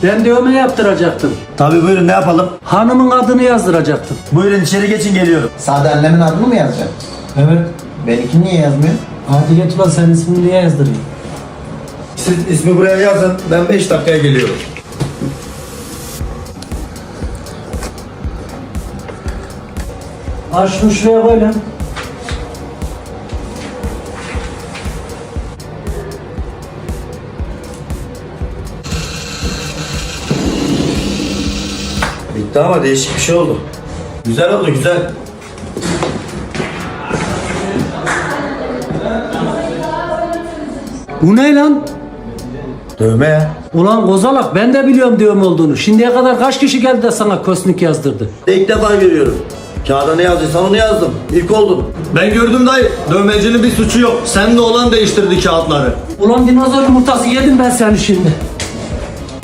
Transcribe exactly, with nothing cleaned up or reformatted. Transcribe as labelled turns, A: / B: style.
A: Ben dövme yaptıracaktım.
B: Tabii buyurun, ne yapalım?
A: Hanımın adını yazdıracaktım.
B: Buyurun içeri geçin, geliyorum.
C: Sade annemin adını mı yazacaksın?
A: Evet.
C: Benimkini niye yazmıyor?
A: Hadi geç ulan, senin ismini niye yazdırayım?
B: Siz ismi buraya yazın, ben beş dakikaya geliyorum.
A: Al şunu şuraya koy lan.
B: Bitti ama değişik bir şey oldu. Güzel oldu, güzel.
A: Bu ne lan?
B: Dövme ya.
A: Ulan kozalak, ben de biliyorum dövme olduğunu. Şimdiye kadar kaç kişi geldi de sana kosnik yazdırdı?
B: İlk defa görüyorum. Kağıda ne yazdıysan onu yazdım. İlk oldum.
D: Ben gördüm dayı. Dövmecinin bir suçu yok. Sen de olan değiştirdi kağıtları.
A: Ulan dinozor yumurtası yedim ben seni şimdi.